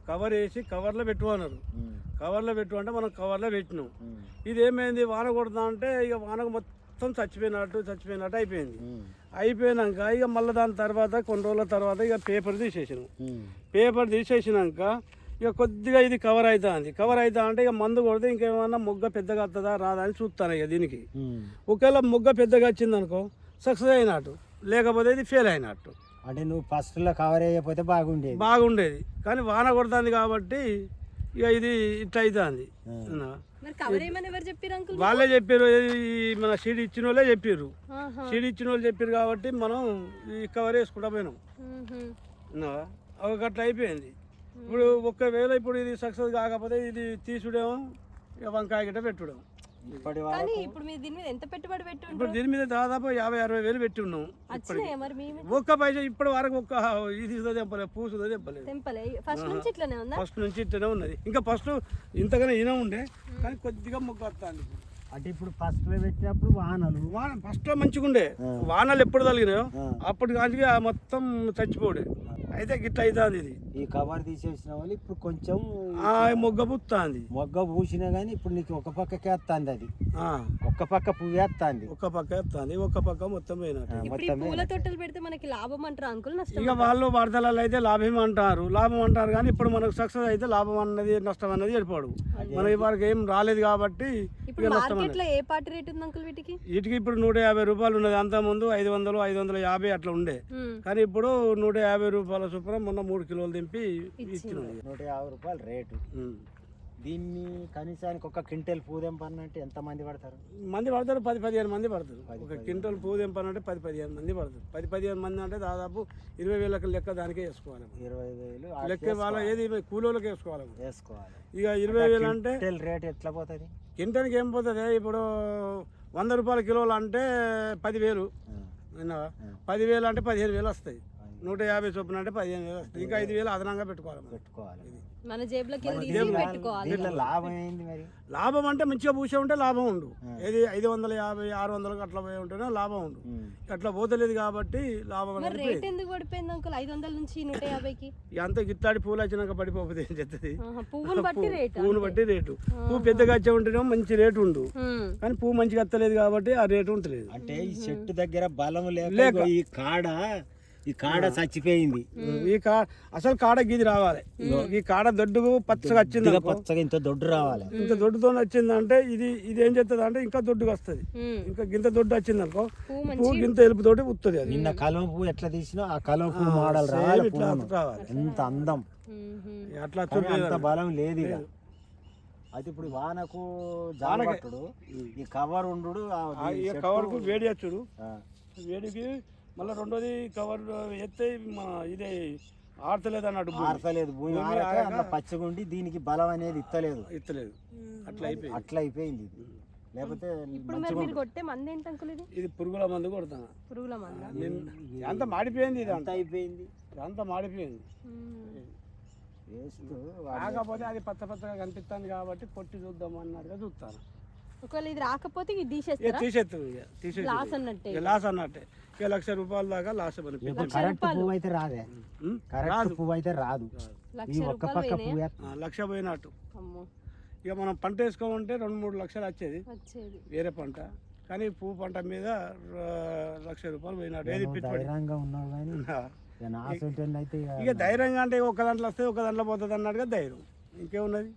Cover వేసి కవర్లో పెట్టు అన్నారు. కవర్లో పెట్టు అంటే మనం కవర్లో పెట్టినాం. ఇది ఏమైంది, వాన కొడతా అంటే ఇక వానకు మొత్తం చచ్చిపోయినట్టు అయిపోయింది. అయిపోయినాక ఇక మళ్ళీ దాని తర్వాత కొన్ని రోజుల తర్వాత ఇక పేపర్ తీసేసినాం. పేపర్ తీసేసినాక ఇక కొద్దిగా ఇది కవర్ అవుతుంది. కవర్ అవుతా అంటే ఇక మందు కొడితే ఇంకేమన్నా మొగ్గ పెద్దగా వస్తుందా రాదా అని చూస్తాను. ఇక దీనికి ఒకవేళ మొగ్గ పెద్దగా వచ్చింది అనుకో సక్సెస్ అయినట్టు, లేకపోతే ఇది ఫెయిల్ అయినట్టు. అంటే నువ్వు ఫస్ట్లో కవర్ చేయకపోతే బాగుండేది కానీ వాన కొడుతుంది కాబట్టి ఇక ఇది ఇట్లా అవుతుంది. వాళ్ళే చెప్పారు, మన సీడ్ ఇచ్చిన వాళ్ళే చెప్పారు. సీడ్ ఇచ్చిన వాళ్ళు చెప్పారు కాబట్టి మనం ఈ కవర్ వేసుకుంటా పోయినాం. ఒక అట్లా అయిపోయింది. ఇప్పుడు ఒకవేళ ఇప్పుడు ఇది సక్సెస్ కాకపోతే ఇది తీసుడేమో ఇక వంకాయ గిట్ట పెట్టుడం. ఇప్పుడు దీని మీద దాదాపు 50-60 వేలు పెట్టి ఉన్నాం. ఒక్క పైసా ఇప్పటి వరకు ఒక్క ఇది తెంపలేదు, పూసుదో తెంపలేదు. ఫస్ట్ నుంచి ఇట్లనే ఉన్నది. ఇంకా ఫస్ట్ ఇంతగానే ఈయన ఉండే కానీ కొద్దిగా మొగ్గ వస్తుంది. అంటే ఇప్పుడు ఫస్ట్ పెట్టినప్పుడు ఫస్ట్ మంచిగా ఉండే, వానలు ఎప్పుడు తగినాయో అప్పటి కానీ మొత్తం చచ్చిపోడే. అయితే గిట్ల అవుతుంది. ఇది ఈ కవర్ తీసేసిన వాళ్ళు ఇప్పుడు కొంచెం మొగ్గ పూస్తుంది. మొగ్గ పూసినా కానీ ఇప్పుడు నీకు ఒక పక్కకే వస్తుంది. అది ఒక్క పక్క పువ్వు వేస్తుంది, ఒక్క పక్క వేస్తుంది, ఒక్క పక్క మొత్తం పూల తోటలు పెడితే మనకి లాభం అంటారు అంకుల్? ఇక వాళ్ళు వార్తలలో అయితే లాభం అంటారు కానీ ఇప్పుడు మనకు సక్సెస్ అయితే లాభం అన్నది నష్టం అన్నది ఏర్పడు. మన ఇవరకు ఏం రాలేదు కాబట్టి ఏ పార్టీ రేట్ ఉంది అంకుల్ వీటికి? వీటికి ఇప్పుడు 150 రూపాయలు ఉన్నది. అంత ముందు 500, 550 అట్లా ఉండే. కానీ ఇప్పుడు 150 రూపాయల చొప్పున మొన్న 3 కిలోలు దింపి ఇచ్చినాం. 150 రూపాయలు రేటు. దీన్ని కనీసానికి ఒక క్వింటల్ పువ్వు తెంపాలంటే ఎంత మంది పడతారు? 10-15 మంది పడతారు. ఒక క్వింటల్ పువ్వు తెంపాలంటే 10-15 మంది పడతారు. 10-15 మంది అంటే దాదాపు 20,000 లెక్క దానికే వేసుకోవాలి. 20,000 లెక్క వాళ్ళ ఏది కూలీలకు వేసుకోవాలి. ఇక 20,000 అంటే రేట్ ఎట్లా పోతుంది? క్వింటాల్కి ఏం పోతుంది? ఇప్పుడు 100 రూపాయల కిలోలు అంటే 10,000 విన్నావా? 10,000 అంటే 15,000 వస్తాయి. 150 చొప్పున అంటే 15,000 వస్తాయి. ఇంకా 5,000 అదనంగా పెట్టుకోవాలి. మన జేబులోకి లాభం ఏంది మరి? లాభం అంటే మంచిగా పూసే ఉంటే లాభం ఉండు. ఏది 550, 600 అట్లా పోయి ఉంటేనే లాభం ఉండు. అట్లా పోతలేదు కాబట్టి లాభం. రేట్ ఎందుకు పడిపోయింది అంకుల్ 500 నుంచి 150కి? అంత గిట్లాడి పూలు వచ్చినాక పడిపోతే ఏం చెప్తుంది? పువ్వును బట్టి రేటు. పువ్వు పెద్దగా వచ్చే ఉంటేనే మంచి రేటు ఉండు. కానీ పువ్వు మంచిగా వస్తలేదు కాబట్టి ఆ రేటు ఉంటలేదు. అంటే ఈ చెట్టు దగ్గర బలం లేక ఈ కాడ చచ్చిపోయింది. ఈ అసలు కాడ గీది రావాలి. ఈ కాడ దొడ్డుకు పచ్చగా వచ్చింది, పచ్చగా ఇంత దొడ్డు రావాలి. ఇంత దొడ్డుతో వచ్చిందంటే ఇది ఏం చేస్తుంది అంటే ఇంకా దొడ్డుగా వస్తుంది. ఇంకా గింత దొడ్డు వచ్చింది అనుకో పువ్వు గింత ఎలుపుతోటి ఉత్తది. అది నిన్న కలువ పువ్వు ఎట్లా తీసినా ఆ కలువ పువ్వు మోడల్ రావాలి. ఎంత అందం, అట్లా అంత బలం లేదు. అయితే ఇప్పుడు వానకు జానకట్టుడు ఈ కవర్ ఉండు, కవర్ కు వేడి వచ్చుడు, వేడికి మళ్ళీ రెండోది కవర్ ఎత్తే మన ఇదే ఆడతలేదు అన్నట్టు. భూమి పచ్చగుండి దీనికి బలం అనేది ఇత్తలేదు. అట్లా అయిపోయింది. లేకపోతే ఇది పురుగుల మందు కొడతాను. అంత మాడిపోయింది. ఇది అంత అయిపోయింది, అంత మాడిపోయింది. కాకపోతే అది పచ్చగా కనిపిస్తుంది కాబట్టి కొట్టి చూద్దాం అన్నట్టుగా చూస్తాను. ఒకవేళ ఇది రాకపోతే తీసేస్తారు. లాస్ అన్నట్టే. ఇక 1,00,000 రూపాయల దాకా లాస్. కరెక్ట్ పువ్వు అయితే రాదే, కరెక్ట్ పువ్వు అయితే రాదు. ఒక్క పక్క పువ్వు 1,00,000 పోయినట్టు. ఇక మనం పంట వేసుకోమంటే 2-3 లక్షలు వచ్చేది వేరే పంట. కానీ పువ్వు పంట మీద 1,00,000 రూపాయలు పోయినట్టు. ఏది ధైర్యంగా ఉన్నావు కానీ ఇక ధైర్యంగా అంటే ఒక దాంట్లో వస్తే ఒక దాంట్లో పోతుంది అన్నట్టుగా ధైర్యం. ఇంకేమున్నది?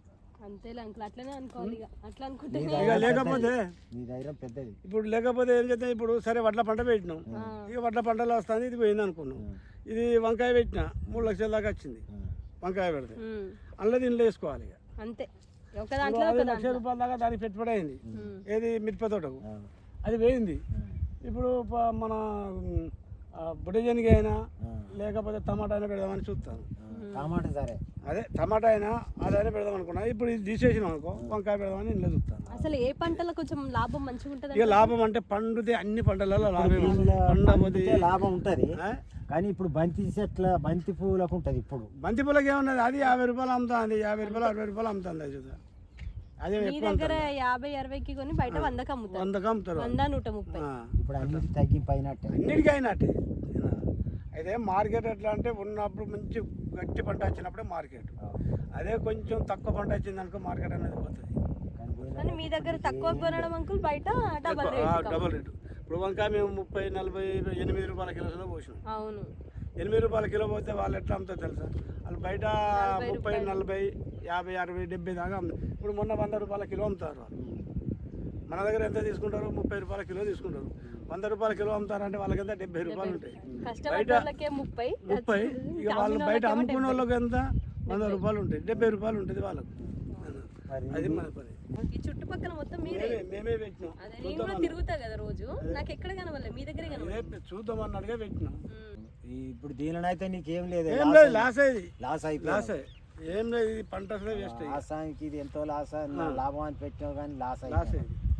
లేకపోతే ఇప్పుడు లేకపోతే ఏం చేద్దాం? ఇప్పుడు సరే వడ్ల పంట పెట్టినాం, ఇక వడ్ల పంటలో వస్తుంది, ఇది పోయింది అనుకున్నాం. ఇది వంకాయ పెట్టినా 3 లక్షల దాకా వచ్చింది. వంకాయ పెడితే అందులో దీనిలో వేసుకోవాలి. ఇక అంతే 1,00,000 రూపాయల దాకా దానికి పెట్టుబడి అయింది. ఏది మిరప తోటకు అది పోయింది. ఇప్పుడు మన బుడ్డజనికి అయినా లేకపోతే టమాటా అయినా పెడదామని చూస్తాను. టమాటా సరే, అదే టమాటా అయినా అదైనా పెడదాం అనుకున్నా. ఇప్పుడు ఇది తీసేసినాం అనుకో వంకాయ పెడదామని ఇంట్లో చూస్తాను. అసలు ఏ పంటలో కొంచెం లాభం మంచిగా ఉంటుంది? ఇక లాభం అంటే పండుతే అన్ని పంటలలో లాభం ఉంటుంది. కానీ ఇప్పుడు బంతి పువ్వులకు ఉంటుంది. ఇప్పుడు బంతి పువ్వులకు ఏమన్నది? అది 50 రూపాయలు అమ్ముతుంది, 50 రూపాయలు 60 రూపాయలు అమ్ముతుంది. అది చూద్దాం. అదే దగ్గర 50-60కి కొని బయట 100కి అమ్ముతారు. 100కి అమ్ముతారు. 100-130. ఇప్పుడు అన్నిటికీ తగ్గిపోయినట్టే, అన్నిటికీ అయినట్టే. అయితే మార్కెట్ ఎట్లా అంటే ఉన్నప్పుడు మంచి గట్టి పంట వచ్చినప్పుడే మార్కెట్. అదే కొంచెం తక్కువ పంట వచ్చింది అనుకో మార్కెట్ అనేది పోతుంది. కానీ మీ దగ్గర తక్కువ కొనడం అంకుల్, బయట డబల్ రేట్. Double rate. ఇప్పుడు వంకాయ మేము 30, 40, 8 రూపాయల కిలో పోసినాం. అవును. 8 రూపాయల కిలో పోతే వాళ్ళు ఎట్లా అమ్ముతారు తెలుసా? వాళ్ళు బయట 30, 40, 50, 60, 70 దాకా అమ్ముతారు. ఇప్పుడు మొన్న 100 రూపాయల కిలో అమ్ముతారు వాళ్ళు. మన దగ్గర ఎంత తీసుకుంటారు? 30 రూపాయల కిలో తీసుకుంటారు. 100 రూపాయల కిలో అమ్ముతారంటే వాళ్ళకి ఎంత 70 రూపాయలు ఉంటాయి. బయట 30. ఇక వాళ్ళు బయట అమ్ముకునే వాళ్ళకి ఎంత 100 రూపాయలు ఉంటాయి, 70 రూపాయలు ఉంటుంది వాళ్ళకు. అది మన పని. ఈ చుట్టుపక్కల మొత్తం మేమే పెట్టినాం. నేను కూడా తిరుగుతా కదా రోజు, నాకు ఎక్కడ కనవలే, మీ దగ్గరే కనవలే. చూద్దాం అన్నట్టుగా పెట్టినాం. ఇప్పుడు దీనినైతే నీకేం లేదు, ఏం లేదు, లాస్ అయ్యి లాస్ అయిపోయి లాస్ ఏం లేదు. ఇది పంట వేస్ట్ లాసానికి ఇది ఎంతో లాస్ లాభం అని పెట్టావు కానీ లాస్ లాస్ అయిపోయింది. అయ్యింది.